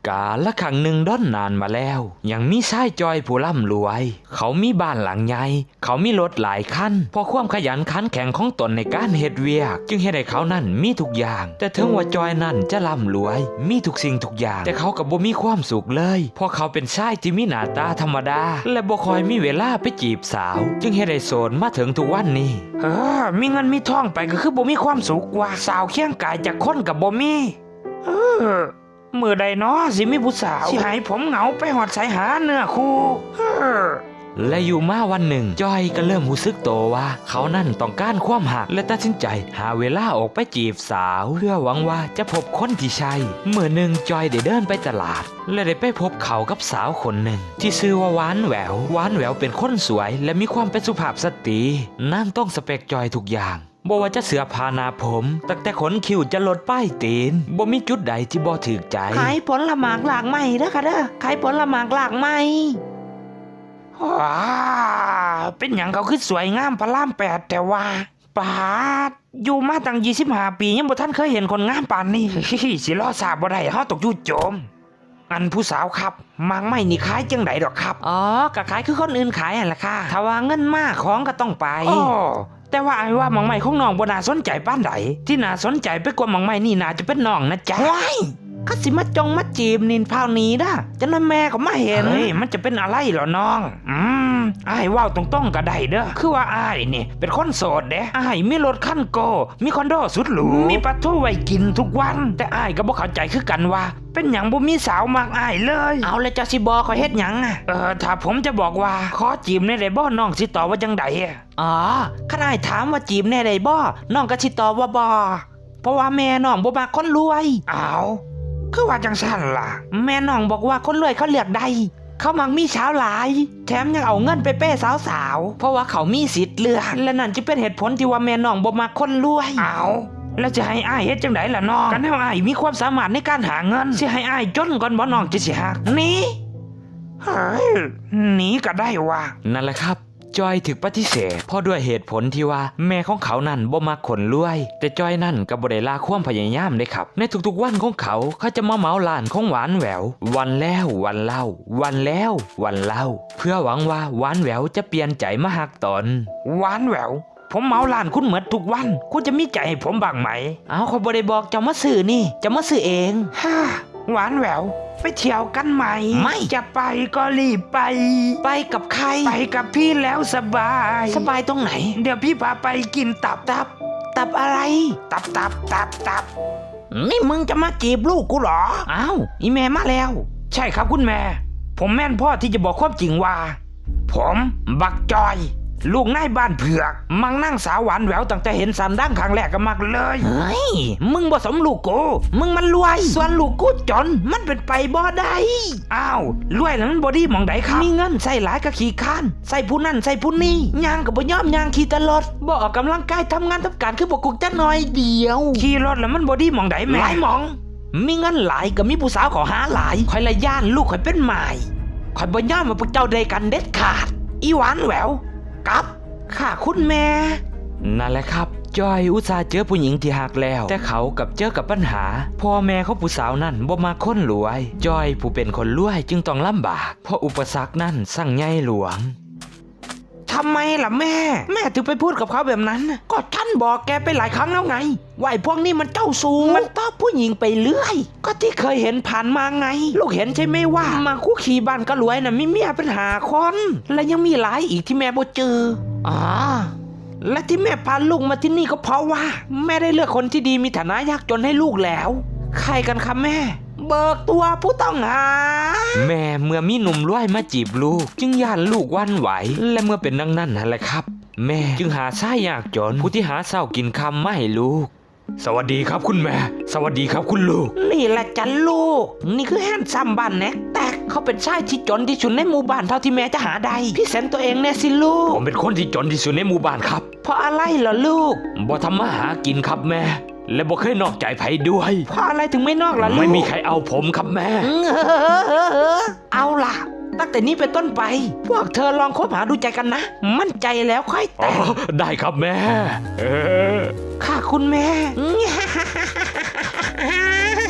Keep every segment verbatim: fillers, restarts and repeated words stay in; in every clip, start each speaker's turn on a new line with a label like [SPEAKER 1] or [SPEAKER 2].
[SPEAKER 1] กาละครั้งหนึ่งด้อนนานมาแล้วยังมีชายจอยผู้ร่ำรวยเขามีบ้านหลังใหญ่เขามีรถหลายคันเพราะความขยันขันแข็งของตนในการเฮ็ดเวียกจึงเฮ็ดให้เขานั่นมีทุกอย่างแต่ถึงว่าจอยนั่นจะร่ำรวยมีทุกสิ่งทุกอย่างแต่เขากับบ่มีความสุขเลยเพราะเขาเป็นชายที่มีหน้าตาธรรมดาและบ่ค่อยมีเวลาไปจีบสาวจึงเฮ็ดให้โสดมาถึงทุกวันนี้เออมีเงินมีทองไปก็คือบ่มีความสุขว่าสาวเคียงกายจากคนกับบ่มีเออมื่อใดเนาะสิมีผู้สาวสิให้ผมเหงาไปหอดสายหาเนื้อคู่และอยู่มาวันหนึ่งจอยก็เริ่มรู้สึกโตว่าเขานั่นต้องการความหักและตัดสินใจหาเวลาออกไปจีบสาวเพื่อหวังว่าจะพบคนที่ใช่เมื่อหนึ่งจอยได้เดินไปตลาดและได้ไปพบเขากับสาวคนหนึ่งที่ชื่อว่าหวานแหววหวานแหววเป็นคนสวยและมีความเป็นสุภาพสตรีนั่นต้องสเปคจอยทุกอย่างบ่ว่าจะเสื้อผ้าหน้าผมตั้งแต่ขนคิ้วจะลดป้ายตีนบ่มีจุดใดที่บ่ถูกใจ
[SPEAKER 2] ขายผลหมากหลากไม้เด้อค่ะเด้อขายผลหมากหลากไม้
[SPEAKER 1] ว้าเป็นหยังเขาคือสวยงามพระรามแปดแต่ว่าปาดอยู่มาตั้งยี่สิบห้าปียังบ่ทันเคยเห็นคนงามปานนี้สิรอทราบบ่ได้เฮาตกอยู่โจมอันผู้สาวครับหมากไม้นี่ขายจังไดดอกครับ
[SPEAKER 2] อ๋อก็ขายคือคนอื่นขายนั่นแหละค่ะถ้าว่าเงินมากของก็ต้องไป
[SPEAKER 1] อ๋อแต่ว่าไอ้ว่าหมากไม้ของน้องบ่น่าสนใจปานใดที่น่าสนใจไปกว่าหมากไม้นี่น่าจะเป็นน้องนะจ๊ะ
[SPEAKER 2] ว้ายเขาสิมาจงมาจีบนินพาวนี้ด้ะจะนั่นแม่เขามาเห็น
[SPEAKER 1] เฮ้ยมันจะเป็นอะไรเหรอน้องอืมไอ้ว่าวตรงๆก็ได้เด้อคือว่าไอ้นี่เป็นคนโสดเด้ไอ้มีรถคันโกมีคอนโดสุดหรูมีปลาทูไว้กินทุกวันแต่ไอ้ก็บ่เข้าใจคือกันว่าเป็นหยังบ่มีสาวมากไอ้เลย
[SPEAKER 2] เอาแล้วจะสิบอกเขาเฮ็ดหยังอ่ะ
[SPEAKER 1] เออถ้าผมจะบอกว่าขอจีบในได้บ่น้องสิตอบว่าจังไดอ่ะ
[SPEAKER 2] อ๋อข้าได้ถามว่าจีบแน่ได้บ่น้องก็สิตอบว่าบ่เพราะว่าแม่น้องบ่มักคนรวย
[SPEAKER 1] อ้าวคือว่าจังซั่นล่ะ
[SPEAKER 2] แม่น้องบอกว่าคนรวยเขาเลือกได้เขามักมีสาวหลายแถมยังเอาเงินไปเป้สาวๆเพราะว่าเขามีสิทธิ์เลือกและนั่นจะเป็นเหตุผลที่ว่าแม่น้องบ่มักคนรวย
[SPEAKER 1] อ้าวแล้วจะให้อ้ายเฮ็ดจังไดล่ะน้องกันให้อ้ายมีความสามารถในการหาเงินสิให้อ้ายจนก่อนบ่น้องจะสิฮัก
[SPEAKER 2] นี่
[SPEAKER 1] เฮ้ยหนีก็ได้ว่านั่นแหละครับจอยถึกปฏิเสธเพราะด้วยเหตุผลที่ว่าแม่ของเขานั่นบ่มักคนรวยแต่จอยนั่นก็บ่ได้ลาความพยายามเลยครับในทุกๆวันของเขาเขาจะมาเหมาร้านของหวานแหวววันแล้ววันเล่าวันแล้ววันเล่าเพื่อหวังว่าหวานแหววจะเปลี่ยนใจมาฮักตนหวานแหววผมเหมาร้านคุณเหมือนทุกวันคุณจะมีใจให้ผมบ้างไหม
[SPEAKER 2] เอาเขาบ่ได้บอกจะมาซื้อนี่จะมาซื้อเอง
[SPEAKER 1] ฮ่าหวานแหววไปเที่ยวกันไหม
[SPEAKER 2] ไม่
[SPEAKER 1] จะไปก็รีบไป
[SPEAKER 2] ไปกับใคร
[SPEAKER 1] ไปกับพี่แล้วสบาย
[SPEAKER 2] สบายตรงไหน
[SPEAKER 1] เดี๋ยวพี่พาไปกินตับ
[SPEAKER 2] ตับตับอะไร
[SPEAKER 1] ตับตับตับตับ
[SPEAKER 2] นี่มึงจะมาจีบลูกกูเหรออ้าวอีแม่มาแล้ว
[SPEAKER 1] ใช่ครับคุณแม่ผมแม่นพ่อที่จะบอกความจริงว่าผมบักจอยลูกนายบ้านเผือกมังนั่งสาวหวานแหววตั้งแต่เห็นสันดั้งครั้งแรกก็มักเลย
[SPEAKER 2] เฮ้ยมึงบ่สมลูกกูมึงมันรวยส่วนลูกกูจนมันเป็นไปบ่ได้
[SPEAKER 1] อ้าวรวยแล้วมันบ่ดีมองใดครับ
[SPEAKER 2] มีเงินใส่หลายก็ขี้ข้านใส่ผู้นั่นใส่ผู้นี่ย่างก็บ่ยอมย่างขี่ตลอดบ่ออกกำลังกายทำงานทำการคือบ่กุกจักหน่อยเดียว
[SPEAKER 1] ขี่รถแล้วมันบ่ดีมองใดแม่
[SPEAKER 2] หลายมองมีเงินหลายก็มีผู้สาวขอหาหลายข่อยละย่านลูกข่อยเป็นหมายข่อยบ่ยอมว่าพวกเจ้าได้กันเด็ดขาดอีหวานแหววกับค่ะคุณแม่
[SPEAKER 1] นั่นแหละครับจอยอุตส่าห์เจอผู้หญิงที่หักแล้วแต่เขากับเจอกับปัญหาพ่อแม่ของผู้สาวนั่นบ่มาคนรวยจอยผู้เป็นคนรวยจึงต้องลำบากเพราะอุปสรรคนั่นสั่งใหญ่หลวง
[SPEAKER 2] ทำไมล่ะแม่แม่ถึงไปพูดกับเขาแบบนั้นก็ฉันบอกแกไปหลายครั้งแล้วไงว่าไอ้พวกนี้มันเจ้าชู้มันต้อผู้หญิงไปเรื่อยก็ที่เคยเห็นผ่านมาไงลูกเห็นใช่ไหมว่ามาคุกขี่บ้านก็รวยน่ะมีเมียเป็นหาคนและยังมีหลายอีกที่แม่บ่เจออ๋อและที่แม่พาลูกมาที่นี่ก็เพราะว่าแม่ได้เลือกคนที่ดีมีฐานะยากจนให้ลูกแล้วใครกันคะแม่เบิกตัวผู้ต้องหา
[SPEAKER 1] แม่เมื่อมีหนุ่มรวยมาจีบลูกจึงย่านลูกวันไหวและเมื่อเป็นดังนั้นนั่นแหละครับแม่จึงหาชายยากจนผู้ที่หาเศร้ากินคำไม่ให้ลูกสวัสดีครับคุณแม่สวัสดีครับคุณลูก
[SPEAKER 2] นี่แหละจันลูกนี่คือแฮนซัมบ้านแน็กแต่เขาเป็นชายที่จนที่สุดในหมู่บ้านเท่าที่แม่จะหาได้พี่เซนตัวเองแน่สิลูก
[SPEAKER 1] ผมเป็นคนที่จนที่สุดในหมู่บ้านครับ
[SPEAKER 2] เพราะอะไรเหรอลูก
[SPEAKER 1] บ่ทำมาหากินครับแม่และบ่เคยนอกใจไผด้วย
[SPEAKER 2] เพราะอะไรถึงไม่นอกล่ะลูก
[SPEAKER 1] ไม่มีใครเอาผมครับแม่
[SPEAKER 2] เอาล่ะตั้งแต่นี้เป็นต้นไปพวกเธอลองคบหาดูใจกันนะมั่นใจแล้วค่อยแต่ง
[SPEAKER 1] ได้ครับแม่
[SPEAKER 2] ค่ะคุณแม่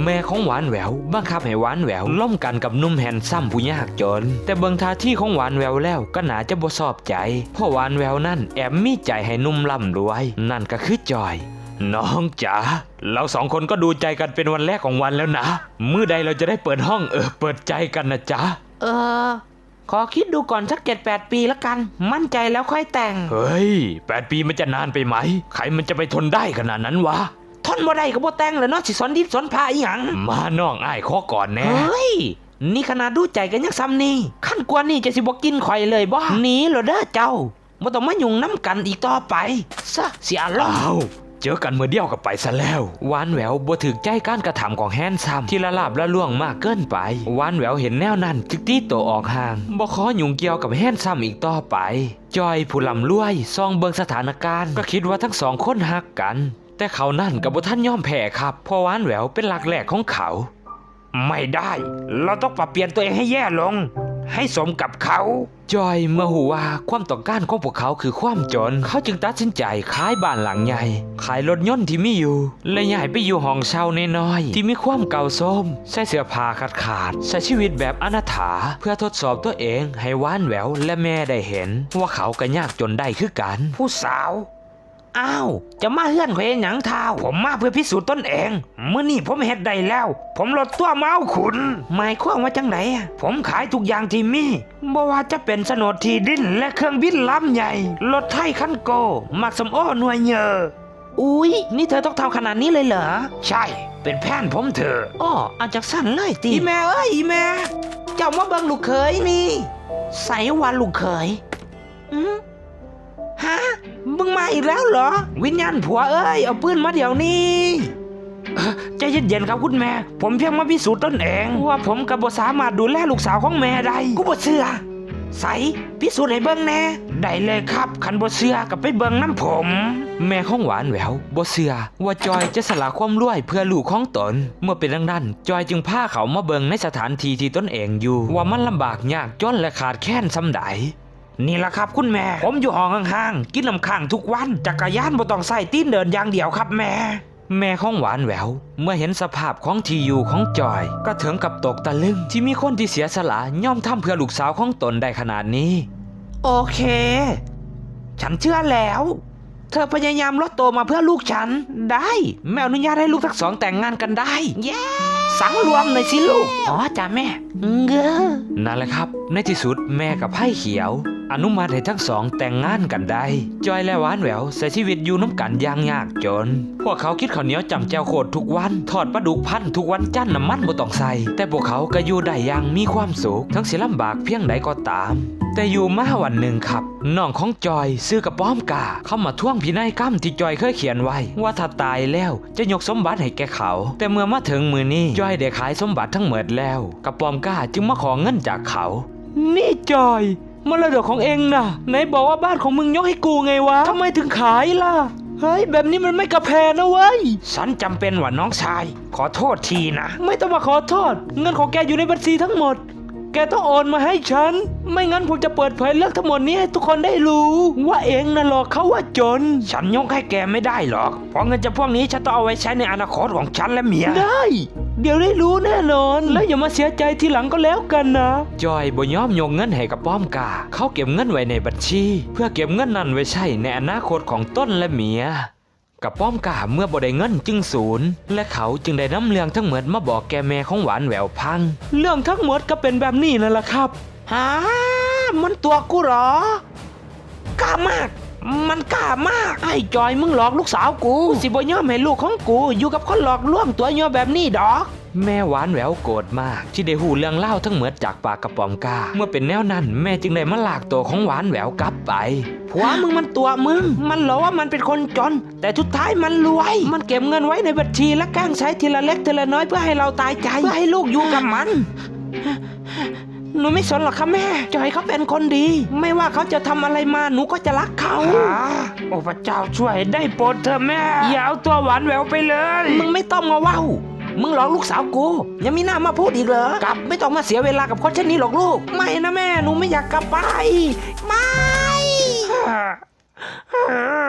[SPEAKER 1] แม่ของหวานแหววบังคับให้หวานแหววล่มกันกับหนุ่มแฮนซัมผู้ยากจนแต่เบิ่งท่าที่ของหวานแหววแล้วก็น่าจะบ่ชอบใจเพราะหวานแหววนั่นแอบมีใจให้หนุ่มร่ำรวยนั่นก็คือจอยน้องจ๋าเราสองคนก็ดูใจกันเป็นวันแรกของวันแล้วนะมื้อใดเราจะได้เปิดห้องเออเปิดใจกันนะจ๊ะ
[SPEAKER 2] เออขอคิดดูก่อนสักเจ็ดแปดปีละกันมั่นใจแล้วค่อยแต่ง
[SPEAKER 1] เฮ้ยแปดปีมันจะนานไปไหมใครมันจะไปทนได้ขนาดนั้นวะ
[SPEAKER 2] ทนบ่ได้ก็บ่แต่งเลยเนาะสิสอนดิบสอนพาอีหยัง
[SPEAKER 1] มาน้องอ้ายขอก่อนแน่
[SPEAKER 2] เฮ้ยนี่ขนาดดูใจกันยังซ้ำนี่ขั้นกว่านี่จะสิบ่กินข่อยเลยบ่หนีเหรอเด้อเจ้าบ่ต้องมายุ่งน้ำกันอีกต่อไปซะเสียอารมณ์
[SPEAKER 1] เจอกันเมื่อเดียวกับไปซะแล้วหวานแหววบ่ถึกใจการกระทำของแฮนซัมที่ละลาบละล่วงมากเกินไปหวานแหววเห็นแนวนั้นจึกตีโตออกห่างบ่ขอยุ่งเกี่ยวกับแฮนซัมอีกต่อไปจอยผู้ลำรวยซองเบิงสถานการณ์ก็คิดว่าทั้งสองคนฮักกันแต่เขานั่นกับบ่ท่านยอมแพ้ครับเพราะหวานแหววเป็นหลักแหลกของเขา
[SPEAKER 2] ไม่ได้เราต้องปรับเปลี่ยนตัวเองให้แย่ลงให้สมกับเขา
[SPEAKER 1] จอยเมื่อหูว่าความต้องการของพวกเขาคือความจนเขาจึงตัดสินใจขายบ้านหลังใหญ่ขายรถยนต์ที่มีอยู่และย้ายไปอยู่ห้องเช่าน้อยๆที่มีความเก่าโทรมใส่เสื้อผ้าขาดขาดใช้ชีวิตแบบอนาถาเพื่อทดสอบตัวเองให้หวานแหววและแม่ได้เห็นว่าเขาก็ยากจนได้คือกัน
[SPEAKER 2] ผู้สาวอ้าวจะมาเฮือนข่อยหยังเท้าผมมาเพื่อพิสูจน์ตนเองเมื่อนี่ผมเฮ็ดได้แล้วผมลดตัวเมาขุนหมายความว่าจังไหนผมขายทุกอย่างที่มีบ่ว่าจะเป็นโฉนดที่ดินและเครื่องบินลำใหญ่รถไถคันโกมักสมโอหน่วยเยออุ๊ยนี่เธอต้องทำขนาดนี้เลยเหรอใช่เป็นแผนผมเธออ้ออาจจะสั้นเลยตีอีแม่เอ้ยอีแม่เจ้ามาเบิ่งลูกเขยนี่ใส่วันลูกเขยอืมฮะมึงมาอีกแล้วเหรอวิญญาณผัวเอ้ยเอาปืนมาเดี๋ยวนี้ใจเย็นๆครับคุณแม่ผมเพียงมาพิสูจน์ตนเองว่าผมกับบ่สามารถดูแลลูกสาวของแม่ได้กูบ่เชื่อใส่พิสูจน์ให้เบิ่งแน่ได้เลยครับคันบ่เชื่อก็ไปเบิ่งน้ำผม
[SPEAKER 1] แม่ของหวานแหววบ่เชื่อว่าจอยจะสละความรวยเพื่อลูกของตนเมื่อเป็นดังนั้นจอยจึงพาเขามาเบิ่งในสถานที่ที่ตนเองอยู่ว่ามันลำบากยากจนและขาดแคลนส่ำใด
[SPEAKER 2] นี่ล่ะครับคุณแม่ผมอยู่ห้องข้างๆกินน้ำข้างทุกวันจักรยานบ่ต้องใส่ตีนเดินอย่างเดียวครับแม่
[SPEAKER 1] แม่ของหวานแหววเมื่อเห็นสภาพของที่อยู่ของจอยก็ถึงกับตกตะลึงที่มีคนที่เสียสละย่อมทำเพื่อลูกสาวของตนได้ขนาดนี้
[SPEAKER 2] โอเคฉันเชื่อแล้วเธอพยายามลดโตมาเพื่อลูกฉันได้แม่อนุญาตให้ลูกทั้งสองแต่งงานกันได้เย้สังรวมหน่อยสิลูกอ๋อจ้าแม่เงอ
[SPEAKER 1] นั่นแหละครับในที่สุดแม่กับไพ่เขียวอนุมัติให้ทั้งสองแต่งงานกันได้จอยและหวานแหววใช้ชีวิตอยู่น้ำกันอย่างยากจนพวกเขาคิดข้าวเหนียวจำแจวโคตรทุกวันทอดปลาดุกพันทุกวันจันทร์น้ำมันบ่ต้องใส่แต่พวกเขาก็อยู่ได้อย่างมีความสุขทั้งสิลำบากเพียงใดก็ตามแต่อยู่มาวันหนึ่งครับน้องของจอยซื้อกับป้อมกาเข้ามาท่วงพินัยกรรมที่จอยเคยเขียนไว้ว่าถ้าตายแล้วจะยกสมบัติให้แกเขาแต่เมื่อมาถึงมือนี้จอยได้ขายสมบัติทั้งหมดแล้วกับป้อมกาจึงมาขอเงินจากเขา
[SPEAKER 2] นี่จอยมรดกของเองน่ะไหนบอกว่าบ้านของมึงยกให้กูไงวะทำไมถึงขายล่ะเฮ้ยแบบนี้มันไม่กระแพนะเว้ยฉันจำเป็นว่าน้องชายขอโทษทีนะไม่ต้องมาขอโทษเงินของแกอยู่ในบัญชีทั้งหมดแกต้องโอนมาให้ฉันไม่งั้นผมจะเปิดเผยเรื่องทั้งหมดนี้ให้ทุกคนได้รู้ว่าเองน่ะหลอกเขาว่าจนฉันยกให้แกไม่ได้หรอกเพราะเงินจำพวกนี้ฉันต้องเอาไว้ใช้ในอนาคตของฉันและเมียได้เดี๋ยวได้รู้แน่นอนแล้วอย่ามาเสียใจทีหลังก็แล้วกันนะ
[SPEAKER 1] จอยบ่ยอมยกเงินให้กับป้อมกาเขาเก็บเงินไว้ในบัญชีเพื่อเก็บเงินนั้นไว้ใช้ในอนาคตของต้นและเมียกับป้อมกาเมื่อบ่ได้เงินจึงสูญและเขาจึงได้นำเรื่องทั้งหมดมาบอกแกแม่ของหวานแหววพัง
[SPEAKER 2] เรื่องทั้งหมดก็เป็นแบบนี้นั่นแหละครับฮะมันตัวกูเหรอกล้ามากมันกล้ามากไอ้จอยมึงหลอกลูกสาวกูสิบ่ยอมให้ลูกของกูอยู่กับคนหลอกลวงตัวย่อแบบนี้ดอก
[SPEAKER 1] แม่หวานแหววโกรธมากที่ได้หูเรื่องเล่าทั้งหมดจากปากกระป๋อมกาเมื่อเป็นแนวนั้นแม่จึงได้มาลากตัวของหวานแหววกลับไป
[SPEAKER 2] ผัวมึงมันตัวมึงมันหลอกว่ามันเป็นคนจนแต่สุดท้ายมันรวยมันเก็บเงินไว้ในบัญชีและแกล้งใช้ทีละเล็กทีละน้อยเพื่อให้เราตายใจเพื่อให้ลูกอยู่กับมันหนูไม่สนหรอกค่ะแม่จอยเขาเป็นคนดีไม่ว่าเขาจะทำอะไรมาหนูก็จะรักเขาโอ้พระเจ้าช่วยได้โปรดเถอะแม่อย่าเอาตัวหวานแหววไปเลยมึงไม่ต้องมาว้าวมึงหลอกลูกสาวกูยังมีหน้ามาพูดอีกเหรอกลับไม่ต้องมาเสียเวลากับคนเช่นนี้หรอกลูกไม่นะแม่หนูไม่อยากกลับไปไม่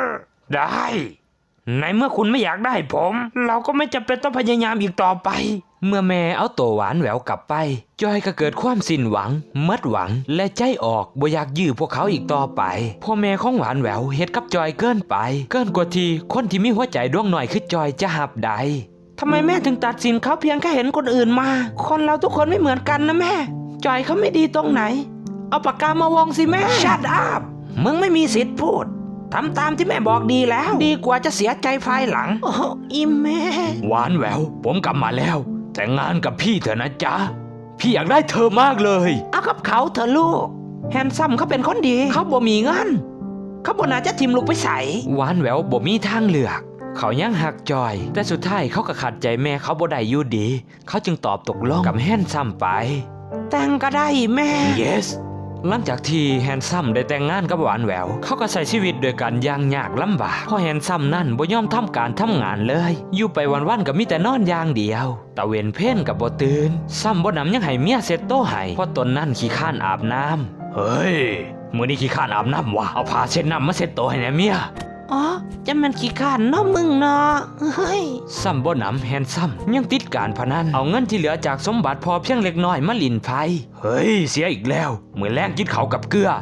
[SPEAKER 2] ได้ในเมื่อคุณไม่อยากได้ผมเราก็ไม่จำเป็นต้องพยายามอีกต่อไป
[SPEAKER 1] เมื่อแม่เอาตัวหวานแหววกลับไปจอยก็เกิดความสิ้นหวังเมิดหวังและใจออกบ่อยากยื้อพวกเขาอีกต่อไปพ่อแม่ของหวานแหววเฮ็ดกับจอยเกินไปเกินกว่าที่คนที่มีหัวใจดวงหน่อยคือจอยจะหับใด
[SPEAKER 2] ทำไมแม่ถึงตัดสินเขาเพียงแค่เห็นคนอื่นมา คนเราทุกคนไม่เหมือนกันนะแม่จอยเขาไม่ดีตรงไหนเอาปากกามาวงสิแม่ Shut up มึงไม่มีสิทธิ์พูดทำตามที่แม่บอกดีแล้วดีกว่าจะเสียใจภายหลังโอ้อิมแม่
[SPEAKER 1] หวานแหววผมกลับมาแล้วแต่งงานกับพี่เถอะนะจ๊ะพี่อยากได้เธอมากเลย
[SPEAKER 2] เอากับเขาเถอะลูกแฮนซัมเขาเป็นคนดีเขาบ่มีเงินเขาบ่น่าจะทิมลูกไปใส่
[SPEAKER 1] หวานแหววบ่มีทางเลือกเขายังหักจอยแต่สุดท้ายเขาก็ขัดใจแม่เขาบ่ได้อยู่ดีเขาจึงตอบตกลงกับแฮนซัมไป
[SPEAKER 2] แต่งก็ได้แม่
[SPEAKER 1] yes หลังจากที่แฮนซัมได้แต่งงานกับหวานแหววเขาก็ใช้ชีวิตโดยการยางยากลำบากเพราะแฮนซัมนั่นบ่ยอมทำการทำงานเลยอยู่ไปวันๆก็มีแต่นอนอย่างเดียวตะเวนเพ่นกับบ่ตื่นซ้ำบ่นำยังให้เมียเซ็ตโตให้เพราะตนนั่นขี้ข้านอาบน้ำเฮ้ยมื้อนี้ขี้ข้านอาบน้ำวะเอาผ้าเช็ดน้ำมาเซ็ตโตให้แน่เมีย
[SPEAKER 2] อ๋อจะมันขี้ข้านเนาะมึงเนาะเฮ้ย
[SPEAKER 1] ซ้ำบ่นำแฮนซัมยังติดการพนันเอาเงินที่เหลือจากสมบัติพอเพียงเล็กน้อยมาลินไพ่เฮ้ยเสียอีกแล้วเหมือนแรงกินเขากับเกลือ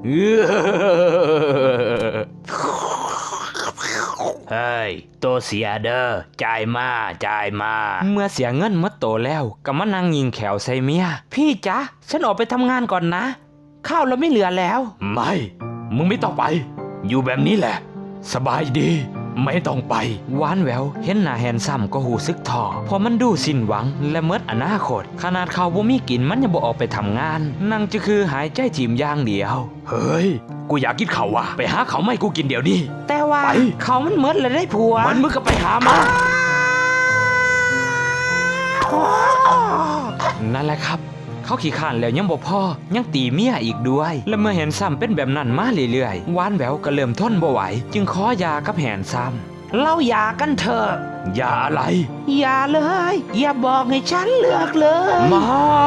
[SPEAKER 1] เฮ้ยโตเสียเด้อจ่ายมาจ่ายมาเมื่อเสียเงินหมดโตแล้วก็มานั่งยิงแขวใส่เมีย
[SPEAKER 2] พี่จ๊ะฉันออกไปทำงานก่อนนะข้าวเราไม่เหลือแล้ว
[SPEAKER 1] ไม่มึงไม่ต้องไปอยู่แบบนี้แหละสบายดีไม่ต้องไปหวานแหววเห็นหน้าแฮนซัมก็หูซึกท้อเพราะมันดูสิ้นหวังและเมิดอนาคตขนาดเขาบ่มีกินมันยังบ่ออกไปทำงานนั่งจะคือหายใจถีมอย่างเดียวเฮ้ยกูอยากกินข้าวว่ะไปหาเขาไม่กูกินเดี๋ยวนี้
[SPEAKER 2] แต่ว่าเขามันเมิดเลยได้ผัว
[SPEAKER 1] มันมึงก็ไปหามานั่นแหละครับเขาขี้ข้านแล้วยังบ่พอยังตีเมียอีกด้วยและเมื่อแฮนซัมเป็นแบบนั้นมาเรื่อยๆหวานแหววก็เริ่มทนบ่ไหวจึงขอหย่ากับแฮนซัม
[SPEAKER 2] เราหย่ากันเถอะ
[SPEAKER 1] หย่าอะไร
[SPEAKER 2] หย่าเลยอย่าบอกให้ฉันเลือกเลย
[SPEAKER 1] มา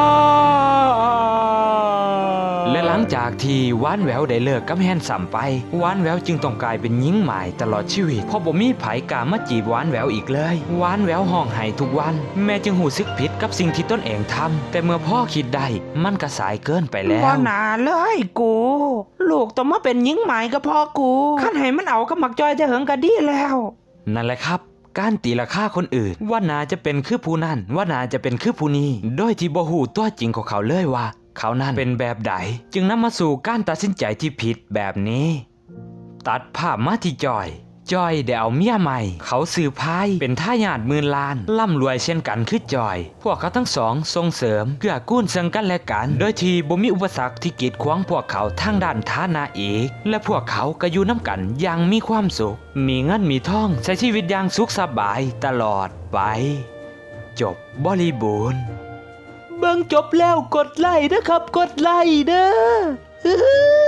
[SPEAKER 1] และหลังจากที่หวานแหววได้เลิกกับแฮนซัมไปหวานแหววจึงต้องกลายเป็นหญิงใหม่ตลอดชีวิตเพราะบ่มีไผกล้ามาจีบหวานแหววอีกเลยหวานแหววห้องไห้ทุกวันแม่จึงหูซึกผิดกับสิ่งที่ตนเองทำแต่เมื่อพ่อคิดได้มันก็สายเกินไปแล้ว
[SPEAKER 2] บ่น่าเลยกูลูกต้องมาเป็นหญิงใหม่ก็พอกูคันให้มันเอากับหมักจอยจะเหิงก็ดีแล้ว
[SPEAKER 1] นั่นแหละครับการตีราคาคนอื่นว่านาจะเป็นคือผู้นั้นว่านาจะเป็นคือผู้นี้โดยที่บ่ฮู้ตัวจริงของเขาเลยว่าเขานั้นเป็นแบบใดจึงนำมาสู่การตัดสินใจที่ผิดแบบนี้ตัดภาพมาที่จอยจอยได้เอาเมียใหม่เขาสืบพายเป็นทายาทหมื่นล้านร่ำรวยเช่นกันคือจอยพวกเขาทั้งสองส่งเสริมเกื้อกูลซึ่งกันและกันโดยที่บ่มีอุปสรรคที่กีดขวางพวกเขาทางด้านฐานะอีกและพวกเขาก็อยู่น้ำกันอย่างมีความสุขมีเงินมีทองใช้ชีวิตอย่างสุขสบายตลอดไปจบบริบูรณ์
[SPEAKER 2] เบิ่งจบแล้วกดไลค์นะครับกดไลค์เด้อ